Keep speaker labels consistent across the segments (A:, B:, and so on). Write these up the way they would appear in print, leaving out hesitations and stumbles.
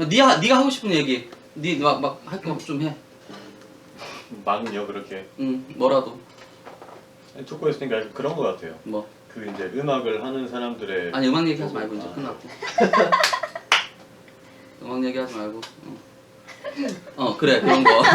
A: 네가 하고 싶은 얘기. 네 막 할 거 좀 해.
B: 막요 그렇게.
A: 뭐라도.
B: 듣고 있으니까 그런 거 같아요.
A: 뭐?
B: 그 이제 음악을 하는 사람들의
A: 아니 음악 얘기하지 말고 이제 끝났고. 음악 얘기하지 말고. 그래 그런 거.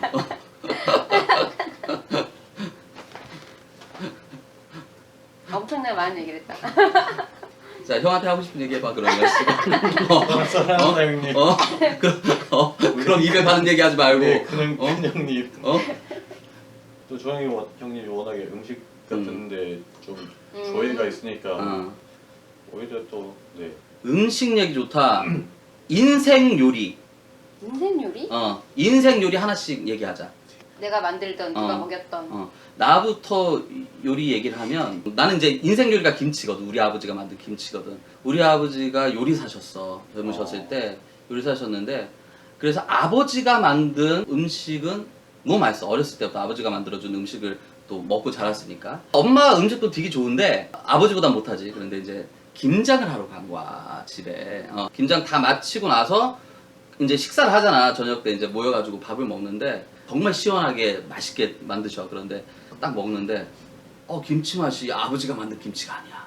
C: 엄청나게 많은 얘기를 했다.
A: 자 형한테 하고 싶은 얘기 해봐 그러면.
B: 사랑한다 형님.
A: 그럼 입에 바른 얘기 하지 말고.
B: 네, 그냥 형님. 또 형님이 워낙에 음식 같은데 좀 조예가 있으니까 오히려 또 네.
A: 음식 얘기 좋다. 인생 요리.
C: 인생 요리?
A: 인생 요리 하나씩 얘기하자.
C: 내가 만들던 누가 먹였던.
A: 나부터 요리 얘기를 하면 나는 이제 인생 요리가 김치거든. 우리 아버지가 만든 김치거든. 우리 아버지가 요리사셨어. 젊으셨을 때 요리사셨는데 그래서 아버지가 만든 음식은 너무 맛있어. 어렸을 때부터 아버지가 만들어준 음식을 또 먹고 자랐으니까. 엄마 음식도 되게 좋은데 아버지보다 못하지. 그런데 이제 김장을 하러 간 거야 집에. 김장 다 마치고 나서 이제 식사를 하잖아. 저녁 때 이제 모여가지고 밥을 먹는데 정말 시원하게 맛있게 만드셔. 그런데 딱 먹는데 김치 맛이 아버지가 만든 김치가 아니야.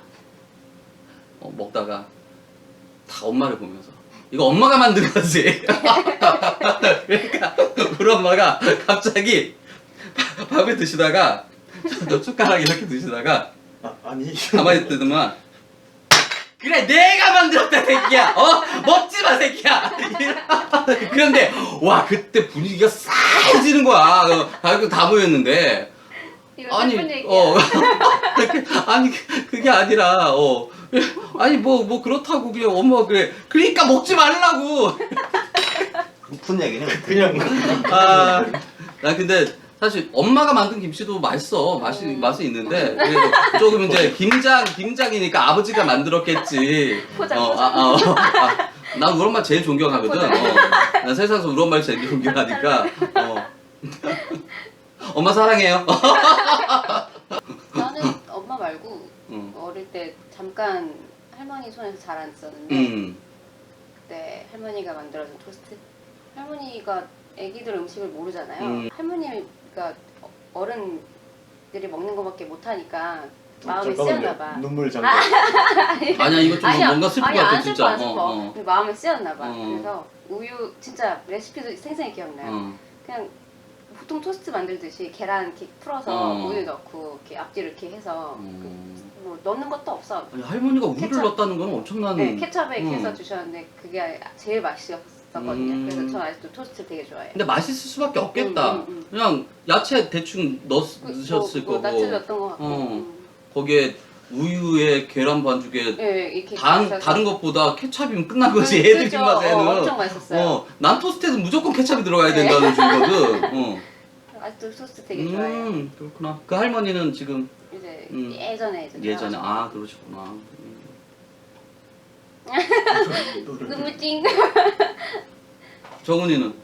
A: 먹다가 다 엄마를 보면서 이거 엄마가 만든 거지. 그러니까 우리 엄마가 갑자기 밥을 드시다가 숟가락 이렇게 드시다가
B: 아니
A: 가만히 뜨더만 그래 내가 만들었다 새끼야. 먹지 마 새끼야. 그런데 와 그때 분위기가 싸해지는 거야. 가족들 다 모였는데
C: 아니 얘기야.
A: 아니 그게 아니라 아니 뭐 그렇다고 그냥 엄마가 그래 그러니까 먹지 말라고.
D: 무슨 얘기냐?
B: 그냥
A: 나 근데 사실 엄마가 만든 김치도 맛있어. 맛은 있는데 그래도 조금 이제 김장이니까 아버지가 만들었겠지. 난 우리 엄마 제일 존경하거든. 난 세상에서 우리 엄마를 제일 존경하니까. 엄마 사랑해요.
C: 나는 엄마 말고 어릴 때 잠깐 할머니 손에서 자랐었는데 그때 할머니가 만들어준 토스트. 할머니가 애기들 음식을 모르잖아요. 할머니가 어른들이 먹는 거밖에 못하니까 마음에 쓰였나 봐.
B: 눈물 장난.
A: 아니야 이거 좀 뭔가 슬픈 것 같아
C: 안
A: 진짜.
C: 슬퍼. 근데 마음에 쓰였나 봐. 그래서 우유 진짜 레시피도 생생히 기억나요. 그냥 보통 토스트 만들듯이 계란 이렇게 풀어서 우유 넣고 이렇게 앞뒤로 이렇게 해서 뭐 넣는 것도 없어.
A: 아니, 할머니가 우유를 넣었다는 건 엄청난.
C: 네, 케첩에 이렇게 해서 주셨는데 그게 제일 맛있었거든요. 그래서 저 아직도 토스트 되게 좋아해요.
A: 근데 맛있을 수밖에 없겠다. 그냥 야채 대충 넣으셨을 거고.
C: 야채 넣었던 것 같고.
A: 거기에 우유에 계란 반죽에
C: 네, 이렇게
A: 다른 것보다 케찹이면 끝난 거지. 애들
C: 그렇죠.
A: 입맛에는.
C: 엄청 맛있었어요.
A: 난 토스트에는 무조건 케찹이 들어가야 된다는 주의거든.
C: 아직도 토스트 되게 좋아해요.
A: 그렇구나. 그 할머니는 지금
C: 이제
A: 예전에 그러시구나.
C: 눈물 찡.
A: 정훈이는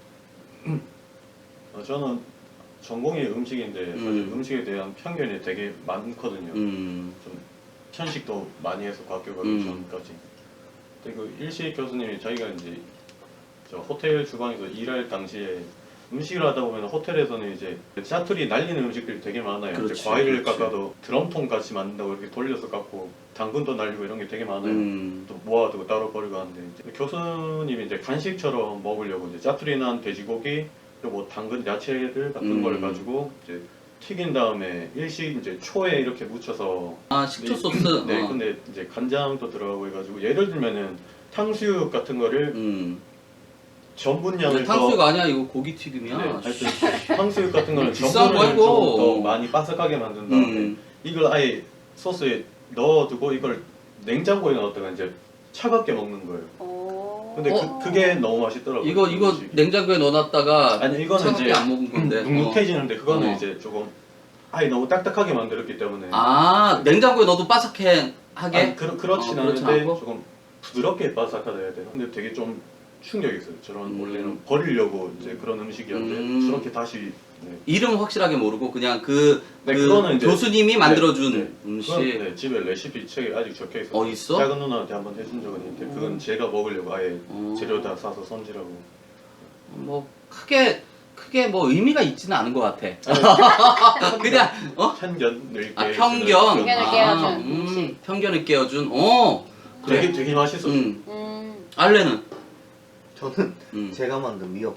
B: 저는 전공이 음식인데 사실 음식에 대한 편견이 되게 많거든요. 좀 편식도 많이 해서 과학교 가기 전까지. 근데 그 일식 교수님이 자기가 이제 저 호텔 주방에서 일할 당시에 음식을 하다 보면 호텔에서는 이제 짜투리 날리는 음식들이 되게 많아요.
A: 그렇지,
B: 이제 과일을
A: 그렇지.
B: 깎아도 드럼통 같이 만든다고 이렇게 돌려서 깎고 당근도 날리고 이런 게 되게 많아요. 또 모아두고 따로 버리고 하는데 이제 교수님이 이제 간식처럼 먹으려고 이제 짜투리 난 돼지고기 그리고 뭐 당근 야채들 같은 걸 가지고 이제 튀긴 다음에 일식 이제 초에 이렇게 묻혀서
A: 식초 소스.
B: 네, 근데 이제 간장도 들어가고 해가지고 예를 들면은 탕수육 같은 거를 전분량을
A: 탕수육 아니야 이거 고기 튀김이야.
B: 네, 하여튼 탕수육 같은 거는
A: 비싼
B: 전분을
A: 거
B: 좀
A: 이거.
B: 더 많이 바삭하게 만든 다음에 이걸 아예 소스에 넣어두고 이걸 냉장고에 넣었다가 이제 차갑게 먹는 거예요. 근데 그게 너무 맛있더라고요.
A: 이거
B: 음식이.
A: 냉장고에 넣어놨다가
B: 아니 이거는
A: 차갑게
B: 이제
A: 안 먹은 건데.
B: 눅눅해지는데 그거는 이제 조금 아예 너무 딱딱하게 만들었기 때문에
A: 냉장고에 넣어도 바삭하게 하게?
B: 그렇진
A: 그렇진
B: 않은데
A: 않고?
B: 조금 부드럽게 바삭하다 해야 되나? 근데 되게 좀 충격이 있어요. 저런 원래는 버리려고 이제 그런 음식이었는데 저렇게 다시 네.
A: 이름 확실하게 모르고 그냥 그
B: 그거는 이제
A: 교수님이 만들어준
B: 네,
A: 음식.
B: 그건 네, 집에 레시피 책에 아직 적혀 있어요.
A: 있어?
B: 작은 누나한테 한번 해준 적은 있는데 그건 제가 먹으려고 아예 재료 다 사서 손질하고.
A: 뭐 크게 뭐 의미가 있지는 않은 것 같아. 그냥
B: 편견을
A: 아,
B: 깨
A: 편견.
C: 편견을 깨워준 음식.
A: 편견을 깨워준. 그래.
B: 되게 맛있어.
A: 알레는
D: 저는 제가 만든 미역.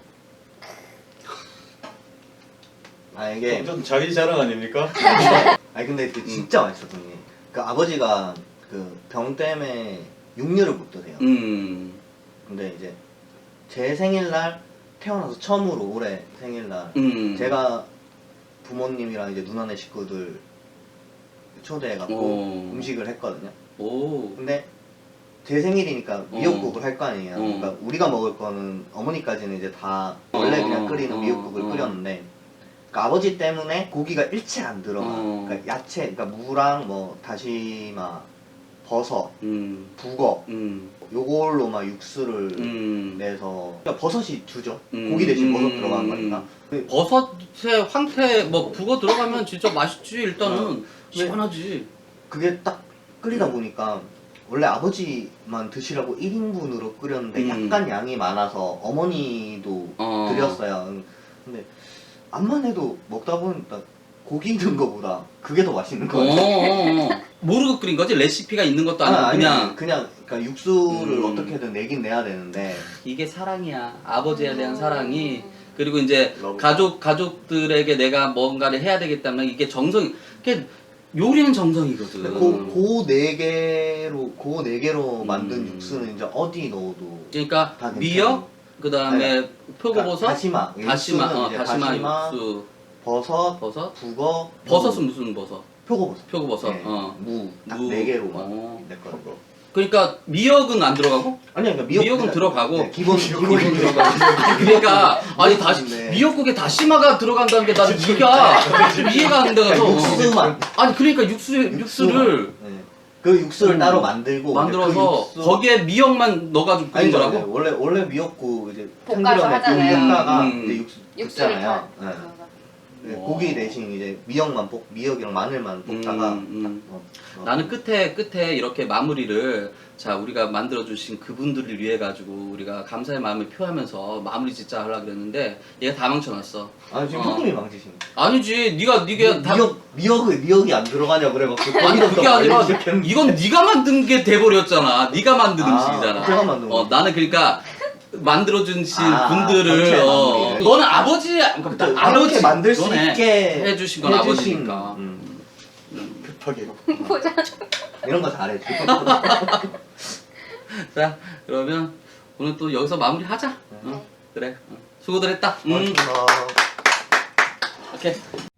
D: 아 이게
B: 좀 자기 자랑 아닙니까?
D: 아니 근데 그 진짜 맛있었던 게 그 아버지가 그 병 때문에 육류를 못 드세요. 근데 이제 제 생일날 태어나서 처음으로 올해 생일날 제가 부모님이랑 이제 누나네 식구들 초대해갖고 음식을 했거든요. 근데 제 생일이니까 미역국을 할 거 아니에요. 그러니까 우리가 먹을 거는 어머니까지는 이제 다 원래 그냥 끓이는 미역국을 끓였는데 그러니까 아버지 때문에 고기가 일체 안 들어가. 그러니까 야채, 그러니까 무랑 뭐 다시마, 버섯, 북어 요걸로 막 육수를 내서 그러니까 버섯이 주죠. 고기 대신 버섯 들어간 거니까.
A: 버섯에 황태 뭐 북어 들어가면 진짜 맛있지. 일단은 시원하지.
D: 그게 딱 끓이다 보니까 원래 아버지만 드시라고 1인분으로 끓였는데 약간 양이 많아서 어머니도 드렸어요. 근데 암만 해도 먹다 보니까 고기 있는 거보다 그게 더 맛있는 거예요.
A: 모르고 끓인 거지? 레시피가 있는 것도 아니고
D: 그냥 그러니까 육수를 어떻게든 내긴 내야 되는데
A: 이게 사랑이야. 아버지에 대한 사랑이. 그리고 이제
B: 러브.
A: 가족들에게 내가 뭔가를 해야 되기 때문에 이게 정성이. 이게 요리는 정성이거든.
D: 고 네 개로 만든 육수는 이제 어디 넣어도
A: 그러니까
D: 다
A: 미역, 그 다음에
D: 아니,
A: 표고버섯,
D: 다시마,
A: 다시마,
D: 육수는 이제 다시마,
A: 육수,
D: 버섯,
A: 버섯,
D: 북어,
A: 버섯은 무슨 버섯?
D: 표고버섯,
A: 표고버섯.
D: 네,
A: 무.
D: 딱 4개로만
A: 어.
D: 냈거든요.
A: 그러니까 미역은 안 들어가고?
D: 아니 그러니까
A: 미역은
D: 그냥-
A: 들어가고.
D: 네, 기본
A: 미역은 들어가고. 그러니까 아니 다시
D: 네.
A: 미역국에 다시마가 들어간다는 게 나는 이해가 안 돼가서.
D: 그러니까 육수만
A: 아니 그러니까 육수를
D: 네. 그 육수를 따로 만들고
A: 만들어서
D: 그 육수-
A: 거기에 미역만 넣어가지고 끓인
D: 아니죠,
A: 거라고?
D: 네. 원래 미역국 이제
C: 볶아서
D: 참기름에
C: 하잖아요.
D: 볶다가
A: 음.
D: 이제
C: 육수를
D: 붓잖아요.
C: 다
D: 네.
C: 넣어서.
D: 네,
A: 와.
D: 고기 대신 이제 미역이랑 마늘만 볶다가
A: 나는 끝에 이렇게 마무리를 자 우리가 만들어 주신 그분들을 위해 가지고 우리가 감사의 마음을 표하면서 마무리 짓자 하려고 그랬는데 얘가 다 망쳐놨어.
D: 아 지금 형님이 망치신
A: 아니지 네가 다
D: 미역이 안 들어가냐 그래갖고
A: 아니 그게 아니라
D: 시작했는데.
A: 이건 네가 만든 게 돼버렸잖아. 네가 만든 음식이잖아.
D: 제가 만든 거.
A: 나는 그러니까 만들어주신
D: 전체
A: 분들을
D: 마무리.
A: 너는 아버지
D: 이렇게 만들 수
A: 너네
D: 있게
A: 해주신 건 아버지니까.
B: 급하게.
C: 보자.
D: 이런 거 잘해.
A: 자 그러면 오늘 또 여기서 마무리하자. 그래 수고들 했다.
D: 고맙습니다.
A: 오케이.